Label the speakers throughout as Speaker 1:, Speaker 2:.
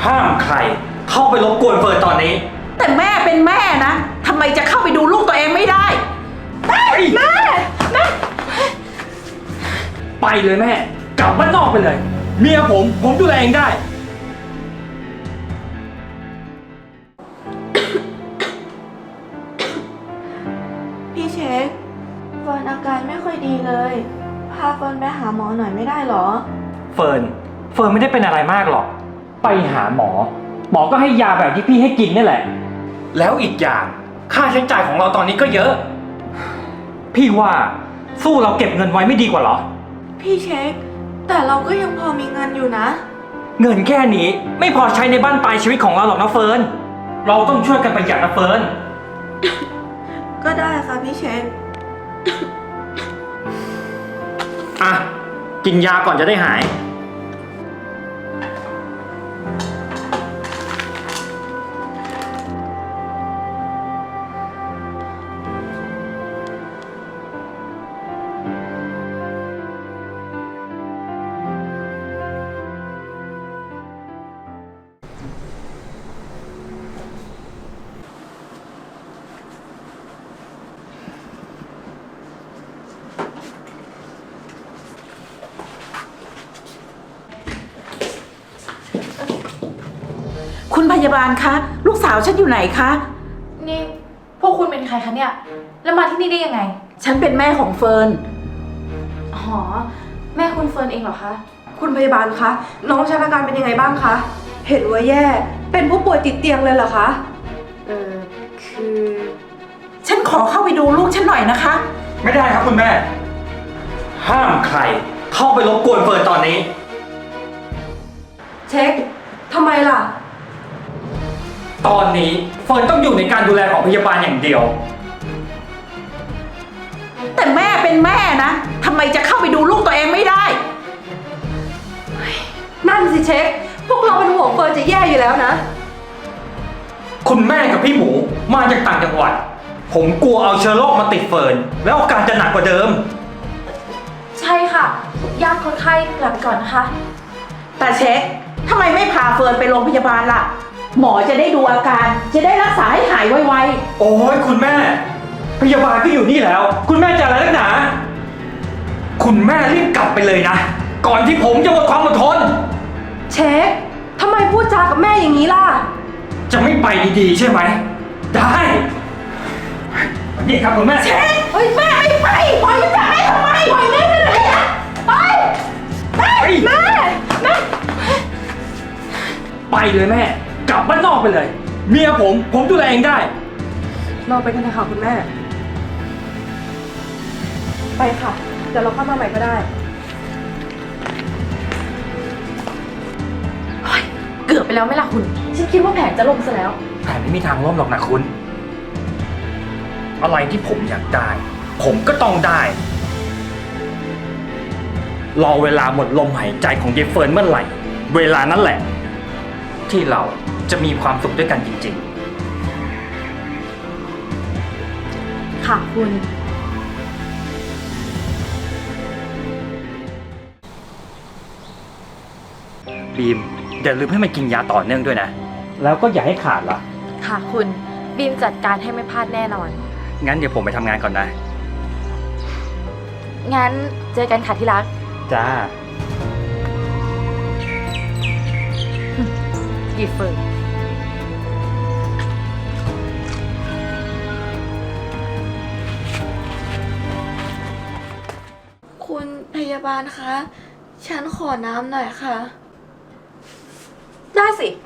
Speaker 1: ห้ามใครเข้าไปรบกวนเฟิร์นตอนนี้
Speaker 2: แต่แม่เป็นแม่นะทำไมจะเข้าไปดูลูกตัวเองไม่ได้แม่
Speaker 1: ไปเลยแม่กลับบ้านนอกไปเลยเมียผมดูแลเองได้
Speaker 3: พี่เช็คเฟิร์นอาการไม่ค่อยดีเลยพาเฟิร์นไปหาหมอหน่อยไม่ได้หรอ
Speaker 1: เฟิร์นไม่ได้เป็นอะไรมากหรอกไปหาหมอก็ให้ยาแบบที่พี่ให้กินนี่แหละแล้วอีกอย่างค่าใช้จ่ายของเราตอนนี้ก็เยอะพี่ว่าสู้เราเก็บเงินไว้ไม่ดีกว่าเหรอ
Speaker 3: พี่เช็คแต่เราก็ยังพอมีเงินอยู่นะ
Speaker 1: เงินแค่นี้ไม่พอใช้ในบ้านปลายชีวิตของเราหรอกนะเฟิร์นเราต้องช่วยกันประหยัดนะเฟิร์น
Speaker 3: ก็ได้ค่ะพี่เช็ค
Speaker 1: อ่ะกินยาก่อนจะได้หาย
Speaker 2: คุณพยาบาลคะลูกสาวฉันอยู่ไหนคะ
Speaker 4: นี่พวกคุณเป็นใครคะเนี่ยแล้วมาที่นี่ได้ยังไง
Speaker 2: ฉันเป็นแม่ของเฟิร์น
Speaker 4: อ๋อแม่คุณเฟิร์นเองเหรอคะ
Speaker 3: คุณพยาบาลคะน้องฉันอาการเป็นยังไงบ้างคะเห็นว่าแย่เป็นผู้ป่วยติดเตียงเลยเหรอคะ
Speaker 4: คือ
Speaker 2: ฉันขอเข้าไปดูลูกฉันหน่อยนะคะ
Speaker 1: ไม่ได้ครับคุณแม่ห้ามใครเข้าไปรบกวนเฟิร์นตอนนี้
Speaker 3: เช็คทำไมล่ะ
Speaker 1: ตอนนี้เฟิร์นต้องอยู่ในการดูแลของพยาบาลอย่างเดียว
Speaker 2: แต่แม่เป็นแม่นะทำไมจะเข้าไปดูลูกตัวเองไม่ได้
Speaker 3: นั่นสิเช็คพวกเราเป็นห่วงเฟิร์นจะแย่อยู่แล้วนะ
Speaker 1: คุณแม่กับพี่หมูมาจากต่างจังหวัดผมกลัวเอาเชื้อโรคมาติดเฟิร์นแล้วอาการจะหนักกว่าเดิม
Speaker 4: ใช่ค่ะญาติคนไข้กลับก่อนนะคะ
Speaker 2: แต่เช็คทำไมไม่พาเฟิร์นไปโรงพยาบาลล่ะหมอจะได้ดูอาการจะได้รักษาให้หายไว
Speaker 1: ๆโอ้ยคุณแม่พยาบาลก็อยู่นี่แล้วคุณแม่จะอะไรนักหนาคุณแม่รีบกลับไปเลยนะก่อนที่ผมจะหมดความอดทน
Speaker 3: เช็คทำไมพูดจากับแม่อย่างนี้ล่ะ
Speaker 1: จะไม่ไปดีๆใช่ไหมได้นี่ครับคุณแม่
Speaker 2: เช็คเฮ้ยแม่ไม่ไปปล่อยแม่ทำไมปล่อยแม่ไปเลยนะไปแม่
Speaker 1: ไปเลยแม่กลับบ้านนอกไปเลยเมียผมดูแลเองได้
Speaker 3: เราไปกันเถอะค่ะคุณแม่ไปค่ะเดี๋ยวเราเข้ามาใหม่ก็ได้
Speaker 4: เกือบไปแล้วไหมล่ะคุณฉันคิดว่าแผนจะล่มซะแล้ว
Speaker 1: แผนไม่มีทางล่มหรอกนะคุณอะไรที่ผมอยากได้ผมก็ต้องได้รอเวลาหมดลมหายใจของเยเฟิร์นเมื่อไหร่เวลานั้นแหละที่เราจะมีความสุขด้วยกันจริง
Speaker 4: ๆค่ะคุณ
Speaker 1: บีมอย่าลืมให้มันกินยาต่อเนื่องด้วยนะแล้วก็อย่าให้ขาดล่ะ
Speaker 4: ค่ะคุณบีมจัดการให้ไม่พลาดแน่นอน
Speaker 1: งั้นเดี๋ยวผมไปทำงานก่อนนะ
Speaker 4: งั้นเจอกันค่ะที่รัก
Speaker 1: จ้า
Speaker 4: ยีเฟิร์น
Speaker 3: คุณพยาบาลคะฉันขอน้ำหน่อยค่ะ
Speaker 4: ได้สิ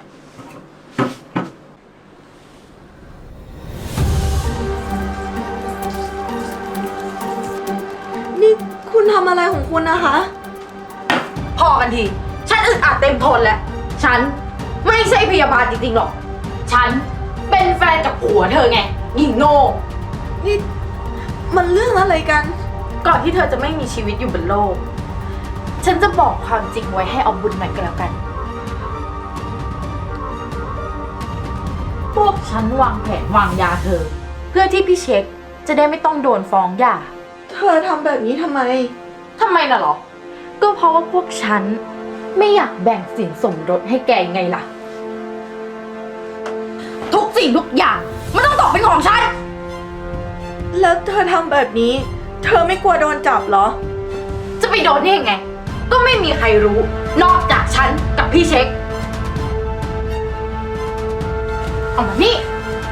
Speaker 3: นี่คุณทำอะไรของคุณนะคะ
Speaker 4: พอกันทีฉันอึดอัดเต็มทนแล้วฉันไม่ใช่พยาบาลจริงๆหรอกฉันเป็นแฟนกับผัวเธอไงหญิงโง่
Speaker 3: นี่มันเรื่องอะไรกัน
Speaker 4: ก่อนที่เธอจะไม่มีชีวิตอยู่บนโลกฉันจะบอกความจริงไว้ให้เอาบุญหน่อยก็แล้วกันพวกฉันวางแผนวางยาเธอเพื่อที่พี่เช็คจะได้ไม่ต้องโดนฟ้องหย่า
Speaker 3: เธอทำแบบนี้ทำไม
Speaker 4: น่ะหรอก็เพราะว่าพวกฉันไม่อยากแบ่งสินสมรสให้แกไงล่ะสิ่งทุกอย่างมันต้องตกเป็นของฉัน
Speaker 3: แล้วเธอทำแบบนี้ เธอไม่กลัวโดนจับเหรอ
Speaker 4: จะไปโดนได้ยังไง ก็ไม่มีใครรู้ นอกจากฉันกับพี่เช็ค เอามานี่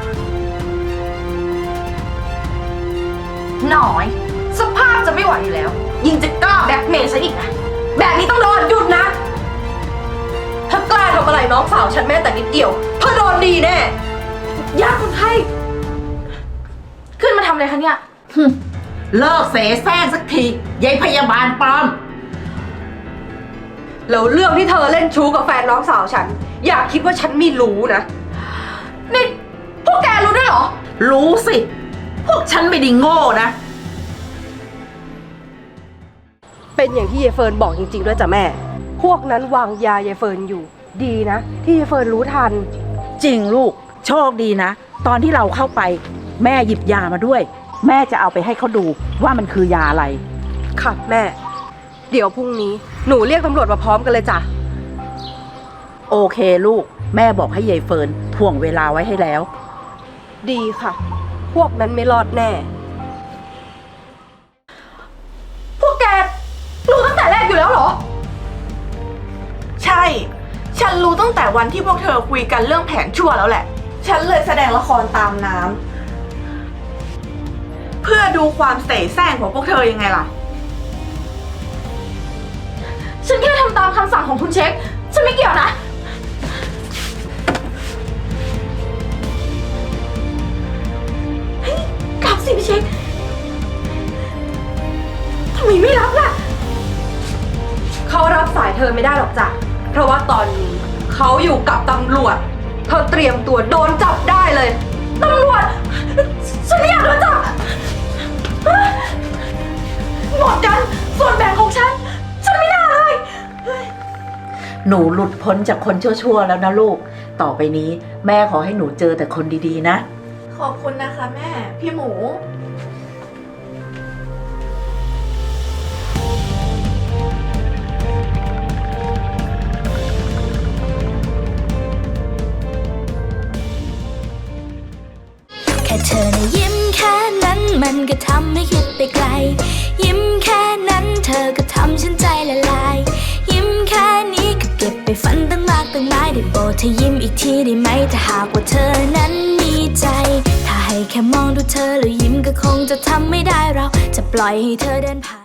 Speaker 4: หน่อย สภาพจะไม่ไหวอยู่แล้ว ยิ่งจะกล้าแบล็กเมย์ฉันอีกนะ แบบนี้ต้องโดนหยุดนะ ถ้ากล้าทำอะไรน้องสาวฉันแม้แต่นิดเดียวเธอโดนดีแน่ยาคนไข้ขึ้นมาทำอะไรคะเนี่ย
Speaker 2: เลิกเสแสร้งสักทียายพยาบาลปลอม
Speaker 5: แล้วเรื่องที่เธอเล่นชู้กับแฟนน้องสาวฉัน อยากคิดว่าฉันไม่รู้นะ
Speaker 4: นี่พวกแกรู้ด้วยเหรอ
Speaker 2: รู้สิ พวกฉันไม่ได้โง่นะ
Speaker 5: เป็นอย่างที่ยายเฟิร์นบอกจริงๆด้วยจ้ะแม่ พวกนั้นวางยายายเฟิร์นอยู่ ดีนะ ที่ยายเฟิร์นรู้ทัน
Speaker 2: จริงลูก โชคดีนะ ตอนที่เราเข้าไป แม่หยิบยามาด้วย แม่จะเอาไปให้เขาดูว่ามันคือยาอะไร
Speaker 5: ค่ะแม่ เดี๋ยวพรุ่งนี้หนูเรียกตำรวจมาพร้อมกันเลยจ้ะ
Speaker 2: โอเคลูก แม่บอกให้ยายเฟิร์นถ่วงเวลาไว้ให้แล้ว
Speaker 5: ดีค่ะ พวกนั้นไม่รอดแน่
Speaker 4: พวกแกรู้ตั้งแต่แรกอยู่แล้วเหรอ
Speaker 3: ใช่ ฉันรู้ตั้งแต่วันที่พวกเธอคุยกันเรื่องแผนชั่วแล้วแหละ ฉันเลยแสดงละครตามน้ำเพื่อดูความเสแสร้งของพวกเธอยังไงล่ะ
Speaker 4: ฉันแค่ทำตามคำสั่งของคุณเช็ค ฉันไม่เกี่ยวนะ เฮ้ยรับสิพี่เช็ค ทำไมไม่รับล่ะ
Speaker 5: เขารับสายเธอไม่ได้หรอกจ้ะ เพราะว่าตอนนี้เขาอยู่กับตำรวจ เธอเตรียมตัวโดนจับได้เลย
Speaker 4: ตำรวจ ฉันไม่อยากโดนจับหมดกัน ส่วนแบ่งของฉัน ฉันไม่น่าเลย
Speaker 2: หนูหลุดพ้นจากคนชั่วๆแล้วนะลูก ต่อไปนี้แม่ขอให้หนูเจอแต่คนดีๆนะ
Speaker 3: ขอบคุณนะคะแม่ พี่หมู
Speaker 6: แค่เธอนะยิ้มแค่นั้นมันก็ทำให้คิดไปไกล ยิ้มแค่นั้นเธอก็ทำฉันใจละลาย ยิ้มแค่นี้ก็เก็บไปฝันตั้งมากตั้งหลายได้โปรดเธอยิ้มอีกทีได้ไหมถ้าหากว่าเธอนั้นมีใจ ถ้าให้แค่มองดูเธอแล้วยิ้มก็คงจะทำไม่ได้เราจะปล่อยให้เธอเดินผ่าน